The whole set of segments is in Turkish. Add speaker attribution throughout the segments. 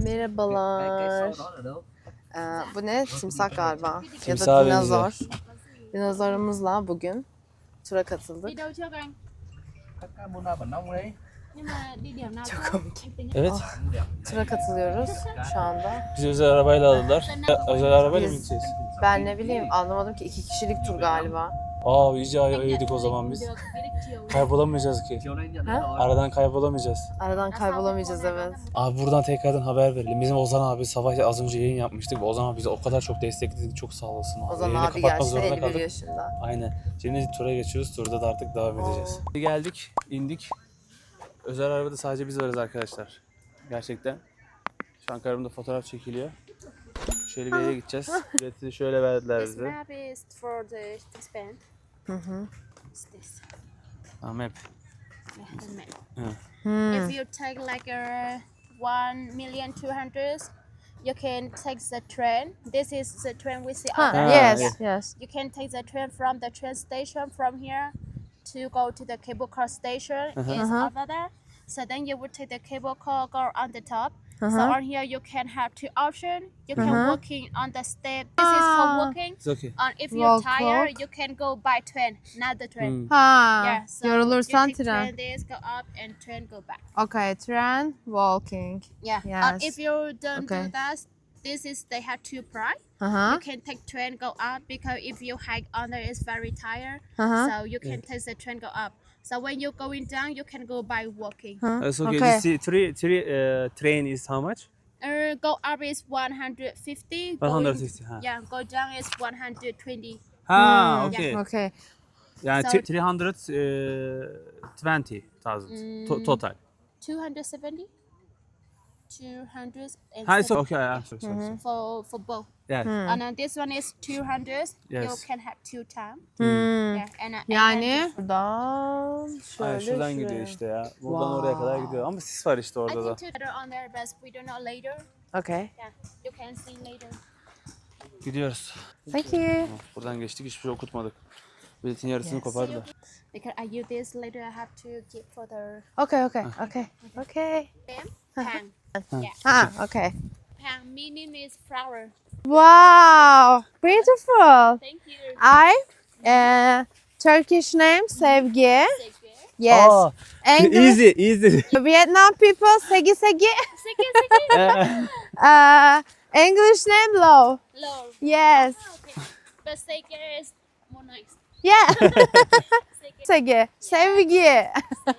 Speaker 1: Merhabalar. Bu ne? Timsah galiba. Ya
Speaker 2: Timsaha
Speaker 1: da dinozor. Dinozorumuzla bugün tura katıldık. Çok komik.
Speaker 2: Evet.
Speaker 1: Tura katılıyoruz şu anda.
Speaker 2: Bizi özel arabayla aldılar. Özel arabayla mı
Speaker 1: Biz-
Speaker 2: gideceğiz?
Speaker 1: Ben ne bileyim anlamadım ki 2 kişilik tur galiba.
Speaker 2: İyice yedik o zaman biz. Kaybolamayacağız ki.
Speaker 1: Ha?
Speaker 2: Aradan kaybolamayacağız.
Speaker 1: Aradan kaybolamayacağız evet.
Speaker 2: Abi buradan tekrardan haber verelim. Bizim Ozan abi sabah az önce yayın yapmıştık. Ozan abi bizi o kadar çok destekledi. Çok sağ olasın abi.
Speaker 1: Ozan
Speaker 2: Yayını
Speaker 1: abi
Speaker 2: kapatmak
Speaker 1: gerçekten
Speaker 2: zorunda
Speaker 1: 51
Speaker 2: kaldık.
Speaker 1: yaşında.
Speaker 2: Aynen. Şimdi tura geçiyoruz. Turda da artık devam edeceğiz. Geldik, indik. Özel arabada sadece biz varız arkadaşlar. Gerçekten. Şu an karımda fotoğraf çekiliyor. Şöyle bir yere gideceğiz. Bileti şöyle verdiler
Speaker 3: This
Speaker 2: bize.
Speaker 3: map is for the band. It's this.
Speaker 2: Map.
Speaker 3: Yeah, the map.
Speaker 1: Hmm.
Speaker 3: If you take like a 1,200,000, you can take the train. This is the train we see
Speaker 1: Ha,
Speaker 3: on there.
Speaker 2: yeah.
Speaker 1: yes.
Speaker 3: You can take the train from the train station from here to go to the cable car station. It's over there. So then you would take the cable car, go on the top. So on here you can have two options. You can walking on the step. This is for walking.
Speaker 2: It's okay.
Speaker 3: If you're
Speaker 1: Walk.
Speaker 3: tired, you can go by train, not the train.
Speaker 1: Ha,
Speaker 3: Yeah, so
Speaker 1: yorulursan
Speaker 3: you take
Speaker 1: tren.
Speaker 3: train this, go up and train go back.
Speaker 1: Okay, tren, walking.
Speaker 3: Yeah.
Speaker 1: Yes.
Speaker 3: If you don't
Speaker 1: Okay.
Speaker 3: do that, this is they have two price.
Speaker 1: Aha.
Speaker 3: You can take train go up because if you hike on there, it's very tired.
Speaker 1: Uh-huh.
Speaker 3: So you can take the train go up. So when you're going down, you can go by walking.
Speaker 2: It's okay.
Speaker 1: Okay.
Speaker 2: This train is how much?
Speaker 3: Go up is 150.
Speaker 2: 160. Ha.
Speaker 3: Yeah, go down is 120.
Speaker 2: Ha, okay.
Speaker 1: Okay.
Speaker 2: Yani
Speaker 3: So-
Speaker 2: 320,000 total.
Speaker 3: 270. 200
Speaker 2: Ha, it's okay. Sorry.
Speaker 3: for both.
Speaker 2: Yeah.
Speaker 3: And then this one is 200. You
Speaker 2: Yes.
Speaker 3: can have two times.
Speaker 1: Hmm.
Speaker 3: Yeah, and
Speaker 1: Yani buradan şöyle
Speaker 2: Ay, şuradan
Speaker 1: şuraya.
Speaker 2: gidiyor işte ya. Buradan oraya kadar gidiyor. Ama sis var işte
Speaker 3: I
Speaker 2: orada da.
Speaker 3: think two on there, but we don't know later.
Speaker 1: Okay.
Speaker 3: Yeah, you can see later.
Speaker 2: Gidiyoruz.
Speaker 1: Thank you.
Speaker 2: Buradan geçtik, hiçbir şey okutmadık. Biletin yarısını kopardılar.
Speaker 3: Because I use this later, I have to keep for the
Speaker 1: Okay.
Speaker 3: them. Pang. Yeah,
Speaker 1: Ha, okay.
Speaker 3: pang meaning is flower.
Speaker 1: Wow, beautiful.
Speaker 3: Thank you.
Speaker 1: Turkish name Sevgi.
Speaker 3: Thank you.
Speaker 1: Yes. English,
Speaker 2: Easy.
Speaker 1: Vietnam people Segi Segi.
Speaker 3: Second,
Speaker 1: English name Lo.
Speaker 3: low.
Speaker 1: Yes.
Speaker 3: Okay. But second is more nice.
Speaker 1: Yeah.
Speaker 3: Second,
Speaker 1: Segi. Sevgi.
Speaker 3: yeah.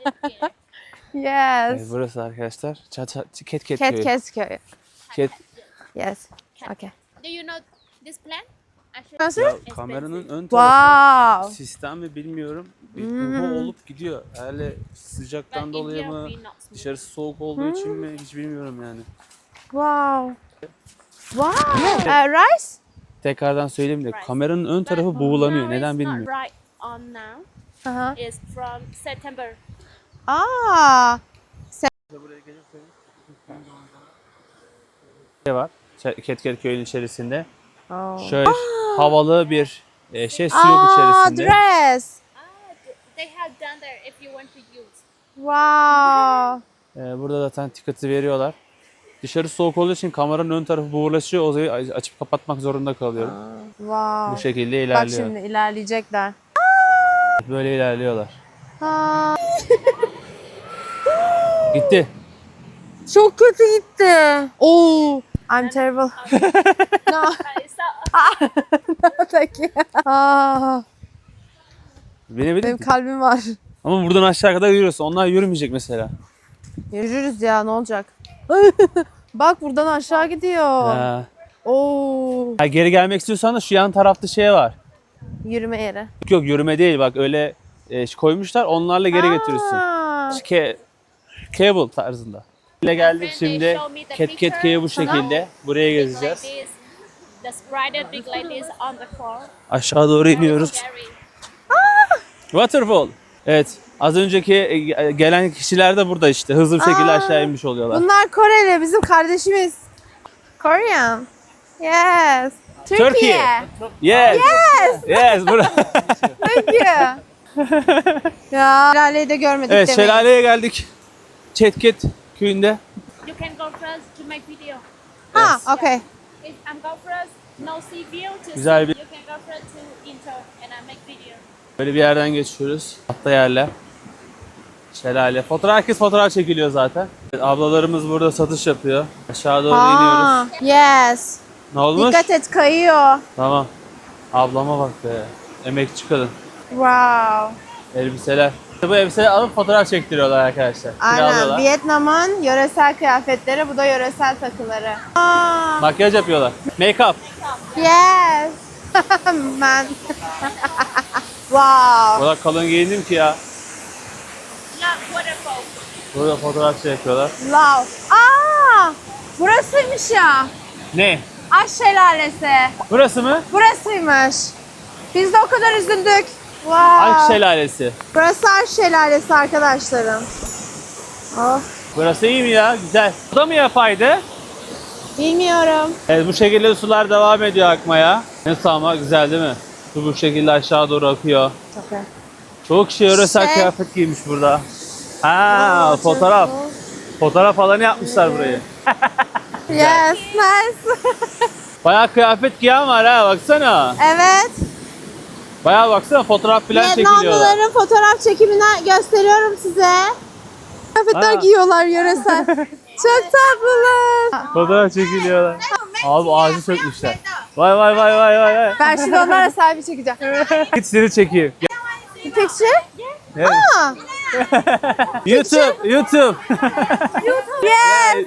Speaker 1: Yes.
Speaker 2: Burası arkadaşlar. Ket köyü.
Speaker 1: Ketköy.
Speaker 2: Ket.
Speaker 1: Yes. Okay.
Speaker 3: Do you know this plant?
Speaker 1: Nasıl?
Speaker 2: Ya, kameranın ön tarafı
Speaker 1: Wow.
Speaker 2: sistem mi bilmiyorum. Bir buğu olup gidiyor. Herhalde sıcaktan dolayı mı, dışarısı soğuk olduğu için mi hiç bilmiyorum yani.
Speaker 1: Wow. Wow. Rice?
Speaker 2: Tekrardan söyleyeyim de kameranın ön tarafı buğulanıyor. Neden bilmiyorum.
Speaker 3: Right on now.
Speaker 1: Aha.
Speaker 3: It's from September.
Speaker 1: Aa.
Speaker 2: Ne var? Ketket köyünün içerisinde.
Speaker 1: Oh.
Speaker 2: Şöyle havalı bir su yok içerisinde.
Speaker 1: Dress.
Speaker 3: They have done there if you want to use.
Speaker 1: Wow.
Speaker 2: Burada zaten tiketi veriyorlar. Dışarı soğuk olduğu için kameranın ön tarafı buğulaşıyor. O zaman açıp kapatmak zorunda kalıyorum.
Speaker 1: Wow.
Speaker 2: Bu şekilde
Speaker 1: Bak
Speaker 2: ilerliyor.
Speaker 1: şimdi ilerleyecekler.
Speaker 2: Böyle ilerliyorlar.
Speaker 1: Aa,
Speaker 2: Gitti.
Speaker 1: çok kötü gitti. Oh, I'm terrible. No, thank you. Aa,
Speaker 2: Binebilir
Speaker 1: benim
Speaker 2: mi?
Speaker 1: kalbim var.
Speaker 2: Ama buradan aşağı kadar yürüyorsun. Onlar yürümeyecek mesela.
Speaker 1: Yürürüz ya, ne olacak? Bak buradan aşağı gidiyor.
Speaker 2: Ha.
Speaker 1: Oo,
Speaker 2: Geri gelmek istiyorsan da şu yan tarafta şey var.
Speaker 1: yürüme yeri.
Speaker 2: Yok yürüme değil bak öyle koymuşlar. Onlarla geri götürürsün.
Speaker 1: Aa,
Speaker 2: Cable tarzında. Ile geldik şimdi. Ketket köyü bu şekilde. Buraya
Speaker 3: Like
Speaker 2: gezeceğiz.
Speaker 3: this, the spider big like this on the floor.
Speaker 2: Aşağı doğru iniyoruz.
Speaker 3: Scary.
Speaker 2: Waterfall. Evet. Az önceki gelen kişiler de burada işte. Hızlı bir şekilde aşağı inmiş oluyorlar.
Speaker 1: bunlar Koreli, bizim kardeşimiz. Korean. Yes. Türkiye.
Speaker 2: Yes. Yes.
Speaker 1: Thank you. Ya şelaleyi de görmedik
Speaker 2: Evet
Speaker 1: demeyin.
Speaker 2: şelaleye geldik. Ketket köyünde.
Speaker 3: You can go first to make video.
Speaker 1: Ha, okay.
Speaker 3: If I'm go first, no see view to
Speaker 2: Güzel
Speaker 3: see.
Speaker 2: bir-
Speaker 3: You can go first to intro and I make video.
Speaker 2: Böyle bir yerden geçiyoruz. Hatta yerler. Şelale. Herkes fotoğraf çekiliyor zaten. Evet, ablalarımız burada satış yapıyor. Aşağı doğru
Speaker 1: Ha,
Speaker 2: iniyoruz.
Speaker 1: yes.
Speaker 2: Ne olmuş?
Speaker 1: Dikkat et, kayıyor.
Speaker 2: Tamam. Ablama bak be. Emekçi kadın.
Speaker 1: Wow.
Speaker 2: Elbiseler. Bu elbiseleri alıp fotoğraf çektiriyorlar arkadaşlar.
Speaker 1: Aynen.
Speaker 2: Kiralıyorlar.
Speaker 1: Vietnam'ın yöresel kıyafetleri, bu da yöresel takıları. Aa,
Speaker 2: Makyaj yapıyorlar. Make up.
Speaker 1: yes. Man. Wow.
Speaker 2: O kadar kalın giyindim ki ya.
Speaker 3: Not waterfall.
Speaker 2: Burada fotoğraf yapıyorlar.
Speaker 1: Love. Aa, burasıymış ya.
Speaker 2: Ne?
Speaker 1: Aş şelalesi.
Speaker 2: Burası mı?
Speaker 1: Burasıymış. Biz de o kadar üzüldük. Wow.
Speaker 2: Aşk Şelalesi.
Speaker 1: Burası Aş şelalesi arkadaşlarım. Oh.
Speaker 2: Burası iyi mi ya? Güzel. Bu da mı yapaydı?
Speaker 1: Bilmiyorum.
Speaker 2: Evet, bu şekilde sular devam ediyor akmaya. Nasıl ama güzel değil mi? Su bu şekilde aşağı doğru akıyor.
Speaker 1: Çok iyi.
Speaker 2: Çoğu kişi yöresel
Speaker 1: Şey-
Speaker 2: kıyafet giymiş burada. Ha, fotoğraf. Fotoğraf alanı yapmışlar burayı.
Speaker 1: Yes, nice.
Speaker 2: Bayağı kıyafet giyen var ha, baksana.
Speaker 1: Evet.
Speaker 2: Bayağı baksana, fotoğraf falan çekiliyorlar.
Speaker 1: Vietnamlıların fotoğraf çekimini gösteriyorum size. Kıyafetler
Speaker 2: Aa.
Speaker 1: giyiyorlar yöresel. Çok tatlılar.
Speaker 2: Fotoğraf çekiliyorlar. Abi ağacı sökmüşler. Vay vay vay vay vay vay.
Speaker 1: Ben şimdi onlara selfie çekeceğim.
Speaker 2: Git seni çekeyim.
Speaker 1: Picture?
Speaker 2: Evet.
Speaker 1: Aa,
Speaker 2: YouTube, YouTube.
Speaker 1: yes.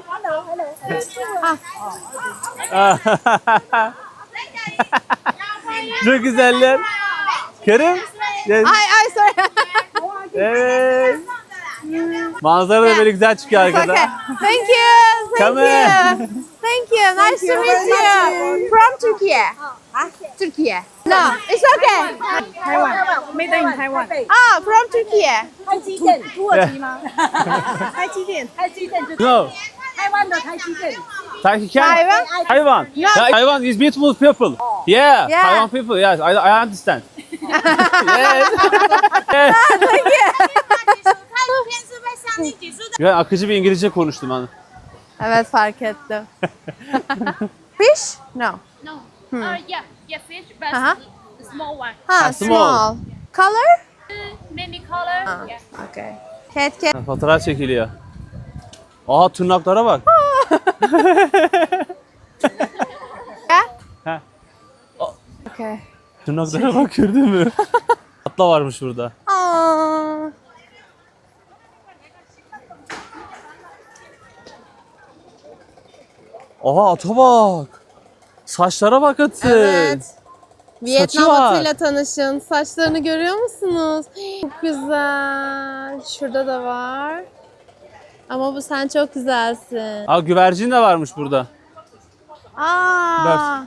Speaker 2: Çok güzeller. Kerem. Yes.
Speaker 1: Ay sorry.
Speaker 2: Evet. Manzara da böyle güzel çıkıyor
Speaker 1: It's okay.
Speaker 2: arkada.
Speaker 1: Thank you. Thank
Speaker 2: Come
Speaker 1: you.
Speaker 2: on.
Speaker 1: Thank you. Nice to meet you. From Turkey. Turkey. No, it's okay.
Speaker 4: Made in Taiwan。
Speaker 1: Ah, from Turkey.
Speaker 4: 台积电，土耳其吗？台积电，台积电就是
Speaker 2: No.
Speaker 4: 台湾的台积电。
Speaker 2: Taiwan? Taiwan. Yeah, Taiwan is beautiful people. Yeah,
Speaker 1: Yeah.
Speaker 2: Taiwan people. Yes, I understand. Yes. Yes. Ben akıcı bir İngilizce konuştum hani.
Speaker 1: Evet, fark ettim. Fish? No.
Speaker 3: No. Yeah, fish, but
Speaker 1: Uh-huh.
Speaker 3: small one.
Speaker 1: Ha,
Speaker 2: small.
Speaker 1: small. Color?
Speaker 3: Many color.
Speaker 1: Ah.
Speaker 3: Yeah.
Speaker 1: Okay. Cat.
Speaker 2: Fotoğraf çekiliyor. Aa, tırnaklara bak.
Speaker 1: Yeah?
Speaker 2: Ha.
Speaker 1: Okay.
Speaker 2: Tırnaklara bak, gördün mü? Atla varmış burada.
Speaker 1: Aa.
Speaker 2: Oha, ata bak. Saçlara bak atın.
Speaker 1: Evet. Vietnam
Speaker 2: var.
Speaker 1: atıyla tanışın. Saçlarını görüyor musunuz? Çok güzel. Şurada da var. Ama bu sen çok güzelsin.
Speaker 2: Aa, güvercin de varmış burada.
Speaker 1: Aa.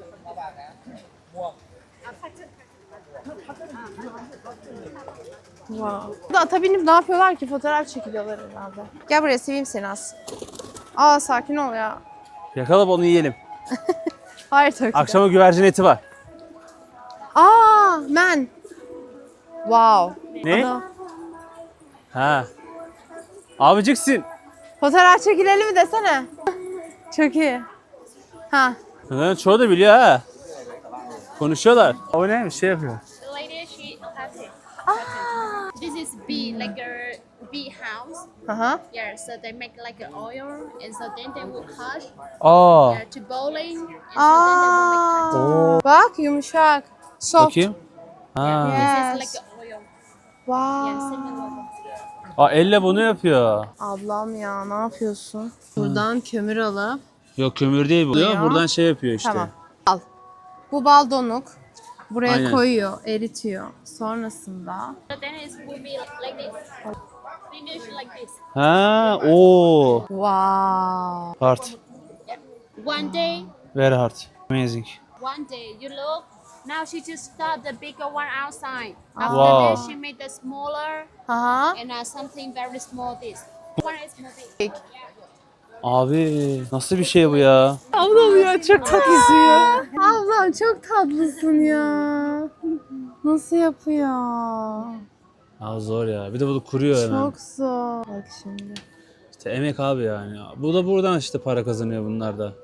Speaker 1: Wow. Burada ata binip ne yapıyorlar ki? Fotoğraf çekiliyorlar herhalde. Gel buraya, seveyim seni az. Aa, sakin ol ya.
Speaker 2: Yakalayıp onu yiyelim.
Speaker 1: Hayır tabii ki de.
Speaker 2: Akşama güvercin eti var.
Speaker 1: Aa, man. Wow.
Speaker 2: Ne?
Speaker 1: Ana.
Speaker 2: Ha. Abiciksin.
Speaker 1: Fotoğraf çekilelim mi desene. Çok iyi. Ha.
Speaker 2: Bunların çoğu da biliyor ha. Konuşuyorlar. O neymiş, şey yapıyor.
Speaker 3: The lady, she has it. This is bee, like a bee house.
Speaker 1: Aha.
Speaker 3: Yeah, so they make like an oil, and so then they will cut
Speaker 2: Aa.
Speaker 3: to bowling, and so then they will make cut.
Speaker 2: Oo.
Speaker 1: Bak, yumuşak. Soft.
Speaker 2: Bakayım. Ha.
Speaker 3: This is
Speaker 1: Yes.
Speaker 3: like an oil.
Speaker 1: Wow.
Speaker 3: Yeah, similar.
Speaker 2: Aa, elle bunu yapıyor.
Speaker 1: Ablam ya, ne yapıyorsun? Buradan kömür alıp.
Speaker 2: Yok, kömür değil bu.
Speaker 1: Ya.
Speaker 2: Buradan şey yapıyor işte.
Speaker 1: Tamam. Al. Bu bal donuk. Buraya
Speaker 2: Aynen.
Speaker 1: koyuyor, eritiyor. Sonrasında
Speaker 3: So then it will be like this. Finish like this.
Speaker 2: Ha, o.
Speaker 1: wow.
Speaker 2: Hard.
Speaker 3: One day,
Speaker 2: Very hard. Amazing.
Speaker 3: one day you look. Now she just start the bigger one outside. After
Speaker 2: Wow.
Speaker 3: that, she made the smaller
Speaker 1: Aha.
Speaker 3: and something very small. This one is more big.
Speaker 2: Abi nasıl bir şey bu ya?
Speaker 1: Ablam ya, çok tatlısın ya. Ablam çok tatlısın ya. Nasıl yapıyor?
Speaker 2: Ya zor ya. Bir de bunu kuruyor hemen.
Speaker 1: Çok zor. Bak şimdi.
Speaker 2: İşte emek abi yani. Bu da buradan işte para kazanıyor bunlar da.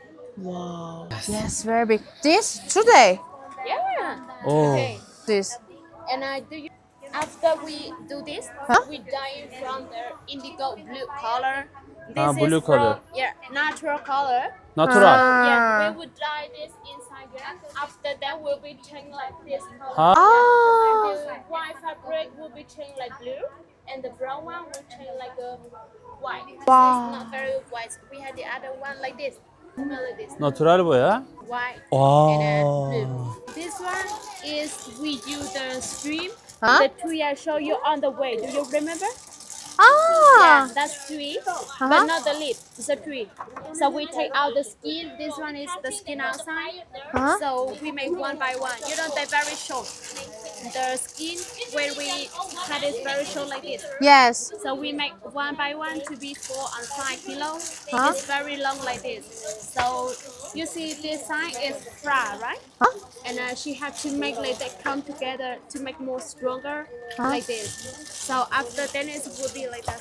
Speaker 1: Yes, very big. This today.
Speaker 3: Yeah.
Speaker 2: Oh.
Speaker 3: Okay.
Speaker 1: This.
Speaker 3: And after we do this,
Speaker 1: Huh?
Speaker 3: we dye it from the indigo blue color. This
Speaker 2: Ah, blue
Speaker 3: is
Speaker 2: color.
Speaker 3: From, yeah, natural color.
Speaker 2: Natural.
Speaker 3: Yeah, we would dye this inside here. After that, will be changed like this color.
Speaker 2: Ha?
Speaker 1: Ah.
Speaker 3: The white fabric will be changed like blue, and the brown one will change like a white.
Speaker 1: Wow.
Speaker 3: It's not very white. We had the other one like this. Smell like this.
Speaker 2: Natural bu ya.
Speaker 3: White
Speaker 2: Wow.
Speaker 3: and then blue. This one is we use the stream.
Speaker 1: Huh?
Speaker 3: The tree I show you on the way. Do you remember?
Speaker 1: Ah.
Speaker 3: Yeah, that's tree, but not the lid. It's a tree. So we take out the skin. This one is the skin outside.
Speaker 1: Huh?
Speaker 3: So we make one by one. You know, they're very short. The skin, when we cut it very short like this.
Speaker 1: Yes.
Speaker 3: So we make one by one to be 4 and 5 kilos.
Speaker 1: Huh?
Speaker 3: It's very long like this. So you see this side is fry, right?
Speaker 1: Huh?
Speaker 3: And she had to make like that come together to make more stronger like this. So after then it will be like that.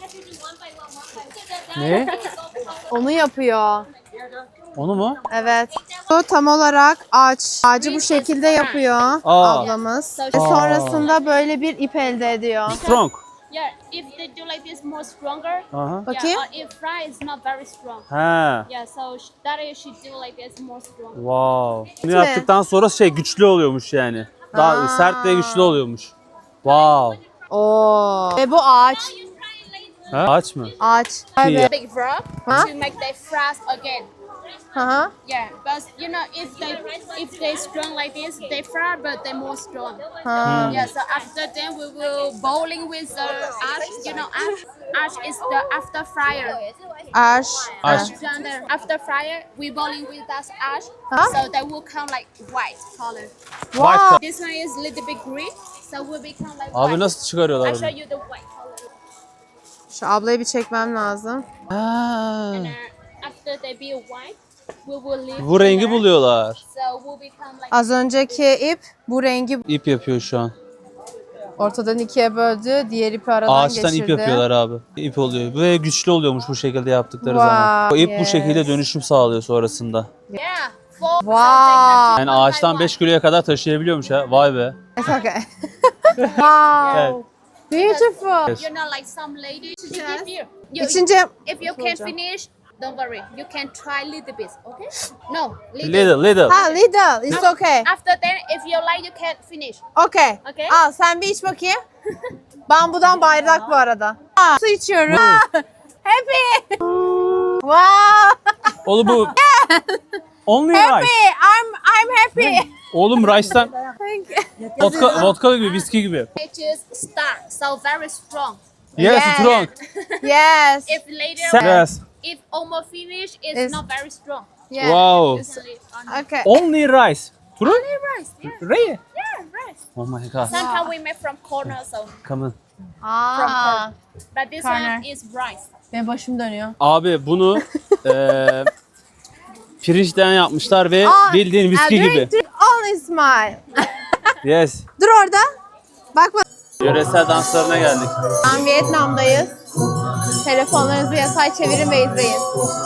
Speaker 2: Ne?
Speaker 1: Onu yapıyor.
Speaker 2: Onu mu?
Speaker 1: Evet. Bu tam olarak ağaç. Ağacı bu şekilde yapıyor
Speaker 2: Aa.
Speaker 1: ablamız. Ve sonrasında böyle bir ip elde ediyor.
Speaker 2: Strong.
Speaker 3: Yeah, if they do like this more stronger.
Speaker 2: Aha.
Speaker 1: Bakayım.
Speaker 3: Yeah, if fry is not very strong.
Speaker 2: Ha.
Speaker 3: Yeah, so that is she do like this more strong.
Speaker 2: Wow. Bunu
Speaker 1: mi?
Speaker 2: yaptıktan sonra şey güçlü oluyormuş yani. Daha
Speaker 1: Aa.
Speaker 2: sert ve güçlü oluyormuş. Wow.
Speaker 1: Oo. Ve bu ağaç.
Speaker 2: Ha? Ağaç mı?
Speaker 1: Ağaç.
Speaker 2: İyi ya.
Speaker 1: Evet.
Speaker 3: Big frog
Speaker 1: Huh?
Speaker 3: to make they fries again.
Speaker 1: Hı.
Speaker 3: Yeah, but you know if they strong like this, they fry, but they more strong.
Speaker 1: Ha.
Speaker 3: Yeah, so after then we will bowling with the ash. You know ash. Ash is the after fryer.
Speaker 1: Aş.
Speaker 2: Aş.
Speaker 3: Down there. After fryer, we bowling with that ash,
Speaker 1: Huh?
Speaker 3: so they will come like white color.
Speaker 1: Wow.
Speaker 3: This one is little bit green, so will become like
Speaker 2: Abi
Speaker 3: white.
Speaker 2: nasıl çıkarıyorlar
Speaker 3: I'll
Speaker 2: bunu?
Speaker 3: show you the white color.
Speaker 1: Şu ablayı bir çekmem lazım.
Speaker 2: Ha.
Speaker 3: And after they be white, we will leave.
Speaker 2: Bu rengi
Speaker 3: here.
Speaker 2: buluyorlar.
Speaker 3: So will become like.
Speaker 1: Az önceki ip bu rengi
Speaker 2: İp yapıyor şu an.
Speaker 1: ortadan ikiye böldü. Diğer ipi aradan
Speaker 2: Ağaçtan
Speaker 1: geçirdi.
Speaker 2: ip yapıyorlar abi. İp oluyor. Ve güçlü oluyormuş bu şekilde yaptıkları
Speaker 1: Wow,
Speaker 2: zaman. O ip bu
Speaker 1: yes.
Speaker 2: şekilde dönüşüm sağlıyor sonrasında.
Speaker 3: Yeah. Four.
Speaker 1: Wow.
Speaker 2: Yani ağaçtan 5 kiloya kadar taşıyabiliyormuş ha. Vay be.
Speaker 1: It's okay. Wow.
Speaker 2: Evet.
Speaker 1: Beautiful.
Speaker 2: Yes.
Speaker 3: You know, like some ladies. If you,
Speaker 1: İçince
Speaker 3: if you can't finish, don't worry. You can try little bit. Okay? No, little.
Speaker 2: Little.
Speaker 1: ha little. It's okay.
Speaker 3: After that, if you like, you can't finish.
Speaker 1: Okay.
Speaker 3: Okay.
Speaker 1: Al sen bir iç bakayım. Bambudan bayrak bu arada. Su içiyorum. Happy. Wow.
Speaker 2: Oğlum bu only
Speaker 1: Happy.
Speaker 2: rice.
Speaker 1: I'm happy.
Speaker 2: Oğlum rice'tan vodka gibi, viski gibi.
Speaker 3: It is start, so very strong.
Speaker 2: Yes,
Speaker 1: Yeah.
Speaker 2: strong.
Speaker 1: Yes.
Speaker 3: If later,
Speaker 2: Yes.
Speaker 3: if almost finish, it's
Speaker 1: It's-
Speaker 3: not very strong.
Speaker 1: Yeah.
Speaker 2: Wow.
Speaker 3: You can leave on
Speaker 1: Okay.
Speaker 2: Only rice. True?
Speaker 3: rice. Yeah,
Speaker 2: Really?
Speaker 3: yeah, rice.
Speaker 2: Oh my god.
Speaker 3: Sometimes we make from corner, so
Speaker 2: Come on.
Speaker 1: Aa.
Speaker 3: but this
Speaker 1: Corner.
Speaker 3: one is rice.
Speaker 1: Benim başım dönüyor.
Speaker 2: Abi bunu pirinçten yapmışlar ve
Speaker 1: Aa,
Speaker 2: bildiğin viski
Speaker 1: drink,
Speaker 2: gibi.
Speaker 1: drink, only smile.
Speaker 2: Yes.
Speaker 1: Dur orada. Bakma.
Speaker 2: Yöresel danslarına geldik.
Speaker 1: Şu an Vietnam'dayız. Telefonlarınızı yatay çevirin ve izleyin.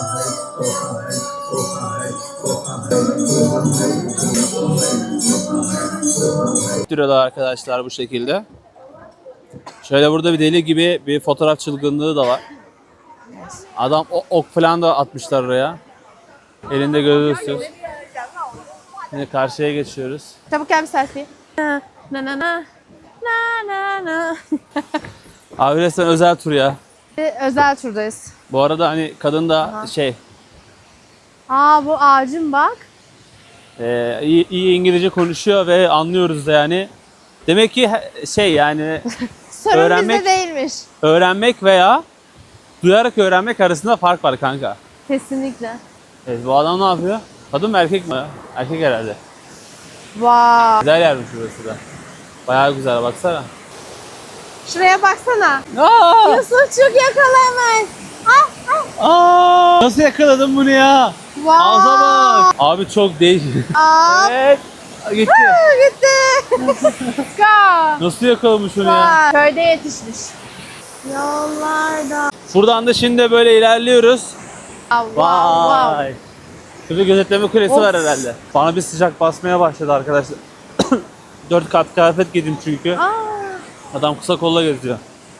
Speaker 2: Duruyorlar arkadaşlar bu şekilde. Şöyle burada bir deli gibi bir fotoğraf çılgınlığı da var. Adam ok falan da atmışlar oraya. Elinde görüyorsunuz. Şimdi karşıya geçiyoruz.
Speaker 1: Çabuk gel bir selfie. Na na na na na na.
Speaker 2: Abi resmen özel tur ya.
Speaker 1: Özel turdayız.
Speaker 2: Bu arada hani kadın da şey
Speaker 1: Aa bu ağacın bak.
Speaker 2: iyi İngilizce konuşuyor ve anlıyoruz da yani. Demek ki şey yani
Speaker 1: Sorun
Speaker 2: Öğrenmek-
Speaker 1: bizde değilmiş.
Speaker 2: öğrenmek veya duyarak öğrenmek arasında fark var kanka.
Speaker 1: Kesinlikle.
Speaker 2: Evet, bu adam ne yapıyor? Kadın mı erkek mi? Erkek herhalde.
Speaker 1: Wow.
Speaker 2: Güzel yermiş burası da. Bayağı güzel baksana.
Speaker 1: Şuraya baksana.
Speaker 2: Aa!
Speaker 1: Yusufçuk yakala hemen. Ah, ah.
Speaker 2: Aa! Nasıl yakaladın bunu ya?
Speaker 1: Wow.
Speaker 2: Ağza bak. Abi çok değişik.
Speaker 1: Aa,
Speaker 2: Evet. Gitti.
Speaker 1: gitti. Let's go.
Speaker 2: Nasıl yakalamış onu ya?
Speaker 1: Vay, köyde yetişmiş. Yollarda.
Speaker 2: Buradan da şimdi böyle ilerliyoruz.
Speaker 1: Wow, wow.
Speaker 2: Vay. Şurada gözetleme kulesi
Speaker 1: Of.
Speaker 2: var herhalde. Bana bir sıcak basmaya başladı arkadaşlar. 4 kat kıyafet giydim çünkü.
Speaker 1: Aa,
Speaker 2: Adam kısa kolla geziyor.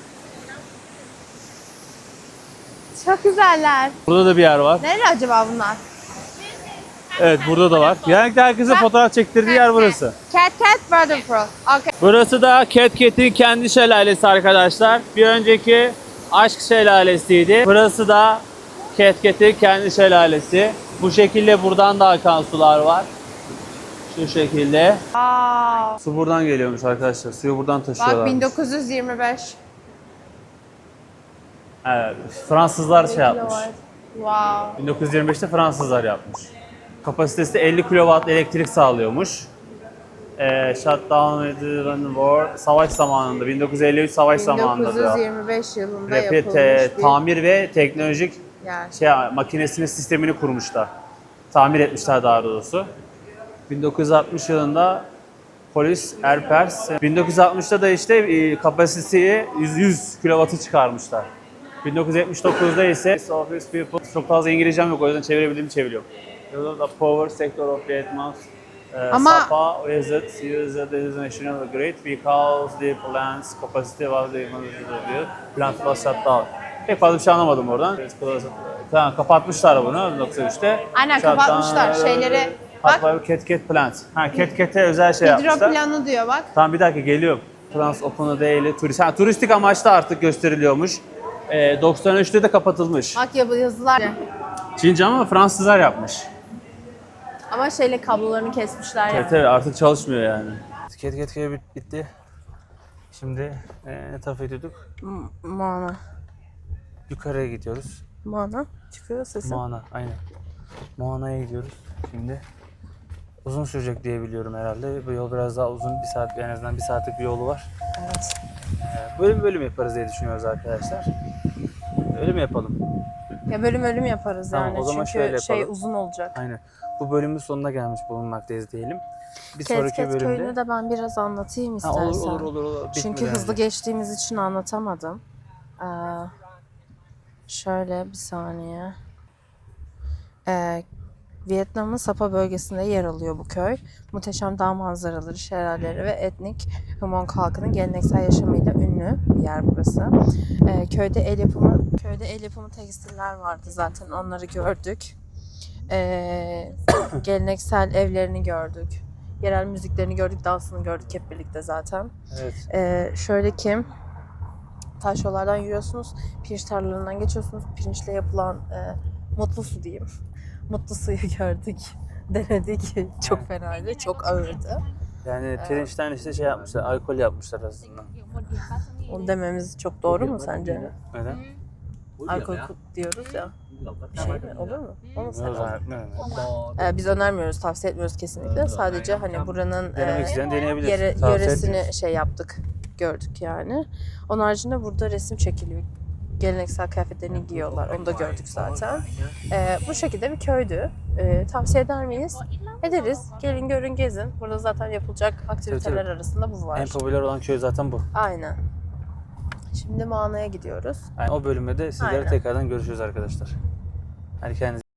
Speaker 1: çok güzeller.
Speaker 2: Burada da bir yer var.
Speaker 1: Nerede acaba bunlar?
Speaker 2: Evet, burada da var. Genellikle herkese fotoğraf çektirdiği yer burası.
Speaker 1: Cat Waterfall. Okay.
Speaker 2: Burası da Cat Cat'in kendi şelalesi arkadaşlar. Bir önceki Aşk Şelalesi'ydi. Burası da Cat Cat'in kendi şelalesi. Bu şekilde buradan da akan sular var. Şu şekilde.
Speaker 1: Aa,
Speaker 2: Su buradan geliyormuş arkadaşlar. Suyu buradan
Speaker 1: bak
Speaker 2: taşıyorlar.
Speaker 1: 1925.
Speaker 2: Evet, Fransızlar şey yapmış.
Speaker 1: Wow.
Speaker 2: 1925'te Fransızlar yapmış. Kapasitesi 50 kW elektrik sağlıyormuş. Shutdown edilen war savaş zamanında 1953 savaş zamanında diyor.
Speaker 1: 1925 yılında
Speaker 2: Rapid
Speaker 1: yapılmış bir
Speaker 2: tamir ve teknolojik
Speaker 1: yer.
Speaker 2: makinesinin sistemini kurmuşlar. Tamir etmişler daha doğrusu. 1960 yılında polis Erpers 1960'da da işte kapasiteyi 100 kW'ı çıkarmışlar. 1979'da ise Office People çok fazla İngilizcem yok o yüzden çevirebildiğimi çeviriyorum. The power sector of Vietnam
Speaker 1: Ama-
Speaker 2: Sapa visit used the national grid because the plant's capacity was the plant was shut down. Pek fazla bir şey anlamadım oradan. Tamam, kapatmışlar bunu 1993'te.
Speaker 1: Aynen, kapatmışlar şeyleri. Bak,
Speaker 2: Bak. Cat Plant. Ha, Cat'e özel şey yapmışlar.
Speaker 1: hidroplanı diyor bak.
Speaker 2: Tamam, bir dakika geliyorum. Plants open değil, turist. Ha, turistik amaçlı artık gösteriliyormuş. 93'te de kapatılmış.
Speaker 1: Bak ya, bu yazılar.
Speaker 2: Çince ama Fransızlar yapmış.
Speaker 1: Ama şeyle kablolarını kesmişler ya.
Speaker 2: Evet, artık çalışmıyor yani. Cat bitti. Şimdi ne tarafa gidiyorduk?
Speaker 1: Mana.
Speaker 2: Yukarıya gidiyoruz.
Speaker 1: Mana. Çıkıyor sesi.
Speaker 2: Moana, aynen. Moana'ya gidiyoruz şimdi. Uzun sürecek diye biliyorum herhalde. Bu yol biraz daha uzun, bir saat, en azından bir saatlik bir yolu var.
Speaker 1: Evet.
Speaker 2: Bölüm bölüm yaparız diye düşünüyoruz arkadaşlar. Öyle mi yapalım?
Speaker 1: Ya bölüm yaparız
Speaker 2: Tamam,
Speaker 1: yani.
Speaker 2: o zaman
Speaker 1: Çünkü
Speaker 2: şöyle
Speaker 1: şey
Speaker 2: yapalım.
Speaker 1: uzun olacak.
Speaker 2: Aynen. Bu bölümün sonuna gelmiş bulunmaktayız diyelim. Bir sonraki
Speaker 1: Ket
Speaker 2: bölümde...
Speaker 1: köyünü de ben biraz anlatayım
Speaker 2: Ha,
Speaker 1: istersen.
Speaker 2: olur.
Speaker 1: Çünkü
Speaker 2: Bitmeden
Speaker 1: hızlı
Speaker 2: önce.
Speaker 1: geçtiğimiz için anlatamadım. Şöyle bir saniye. Vietnam'ın Sapa bölgesinde yer alıyor bu köy. Muhteşem dağ manzaraları, şelaleleri ve etnik Hmong halkının geleneksel yaşamıyla ünlü bir yer burası. Köyde el yapımı tekstiller vardı, zaten onları gördük. Geleneksel evlerini gördük. Yerel müziklerini gördük, dansını gördük hep birlikte zaten.
Speaker 2: Evet.
Speaker 1: Şöyle ki, taş yollardan yürüyorsunuz, pirinç tarlalarından geçiyorsunuz. Pirinçle yapılan mutlu su diyeyim. Mutlu suyu gördük, denedik. Çok fenaydı, çok ağırdı.
Speaker 2: Yani pirinçten işte şey yapmışlar, alkol yapmışlar aslında.
Speaker 1: Onu dememiz çok doğru mu sence?
Speaker 2: Neden?
Speaker 1: Alkol diyoruz ya. Bir şey mi? Olur mu? Olmasa
Speaker 2: Ne zannetmiyorum.
Speaker 1: biz önermiyoruz, tavsiye etmiyoruz kesinlikle. Sadece hani buranın
Speaker 2: Denemek isteyen deneyebilir. Tavsiye
Speaker 1: yöresini
Speaker 2: etmiyoruz.
Speaker 1: şey yaptık, gördük yani. Onun haricinde burada resim çekiliyor. Geleneksel kıyafetlerini giyiyorlar. Onu da gördük zaten. Bu şekilde bir köydü. Tavsiye eder miyiz? Ederiz. Gelin görün gezin. Burada zaten yapılacak aktiviteler
Speaker 2: Evet.
Speaker 1: arasında bu var.
Speaker 2: En popüler olan köy zaten bu.
Speaker 1: Aynen. Şimdi Mana'ya gidiyoruz.
Speaker 2: Yani o bölümde de sizlere
Speaker 1: Aynen.
Speaker 2: tekrardan görüşürüz arkadaşlar. Hadi kendinize